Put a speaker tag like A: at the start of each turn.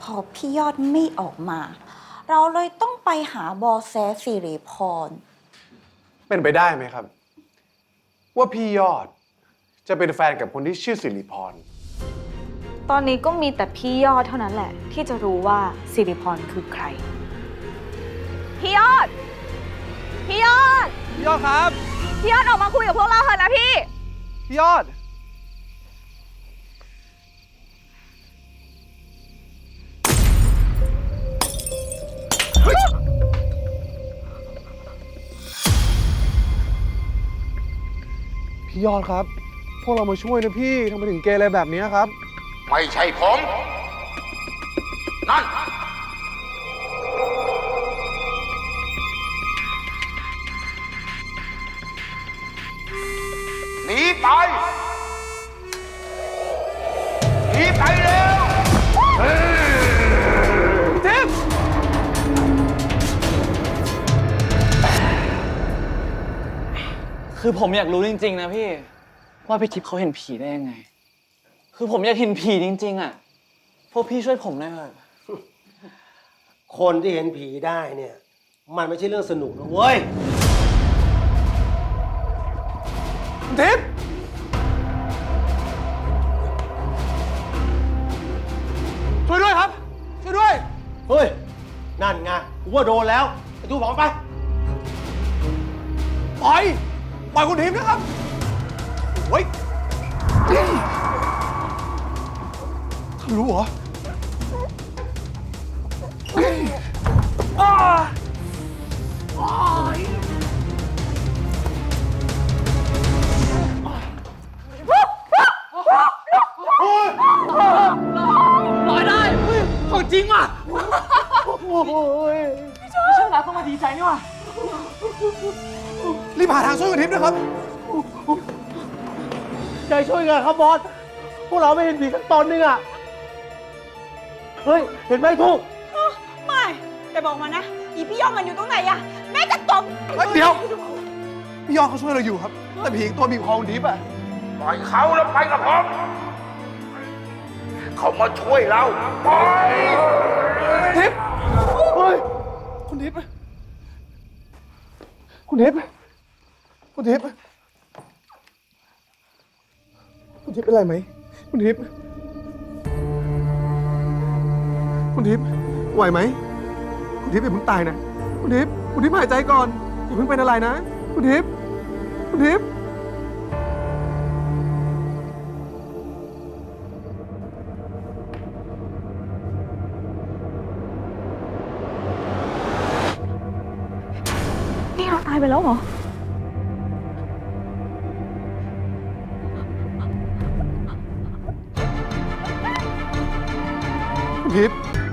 A: พอพี่ยอดไม่ออกมา เราเลยต้องไปหาบอแสสิริพร
B: เป็นไปได้ไหมครับ ว่าพี่ยอดจะเป็นแฟนกับคนที่ชื่อสิริพร
C: ตอนนี้ก็มีแต่พี่ยอดเท่านั้นแหละที่จะรู้ว่าสิริพรคือใครพี่ยอดพี่ยอด
D: พี่ยอดครับ
C: พี่ยอดออกมาคุยกับพวกเราเถอะนะพี่
D: พี่ยอดพี่ยอดครับพวกเรามาช่วยนะพี่ทำไมถึงเกเรแบบนี้ครับ
E: ไม่ใช่ผมนั่นหนีไปหนีไปเร็ว
D: พี่ทิพย์
F: คือผมอยากรู้จริงๆนะพี่ว่าพี่ทิพย์เขาเห็นผีได้ยังไงคือผมอยากเห็นผีจริงๆอ่ะพวกพี่ช่วยผมหน่อยเถอะ
G: คนที่เห็นผีได้เนี่ยมันไม่ใช่เรื่องสนุกนะเว้ย
D: ทิพย์ช่วยด้วยครับช่วยด้วย
G: เฮ้ยนั่นไงกูว่าโดนแล้วไอ้ทูบอกไป
D: ปล่อยคุณทิพย์นะครับโอ้ยทะลุเหรอ
F: ลอยได้ของจริงว่ะไม่ใช่รักต้องมาดีใจนี่ว่ะ
D: รีบหาทางช่วยคุณทิพย์ด้วยครับ
G: ใจช่วยกันครับบอสพวกเราไม่เห็นผีสักตนนึงอ่ะเฮ้ยเห็นไหมทูก
A: ไม่แต่บอกมานะอีพี่ยอดมันอยู่ตรงไหนอะแม่จะตบ
D: เดี๋ยวพี่ยอดเขาช่วยเราอยู่ครับแต่ผีตัวบีบคอคุณทิพย์อะ
E: ปล่อยเขาแล้วไปกับผมเขามาช่วยเราปล่อย
D: ทิพย์เฮ้ยคุณทิพย์คุณทิพย์คุณทิพย์คุณทิพย์เป็นไรไหมคุณทิพย์คุณทิพย์ไหวไหมคุณทิพย์อย่าเพิ่งตายนะคุณทิพย์หายใจก่อนอย่าเพิ่งเป็นอะไรนะคุณทิพย์
C: นี่เราตายไปแล้วเหรอ
D: คุณทิพย์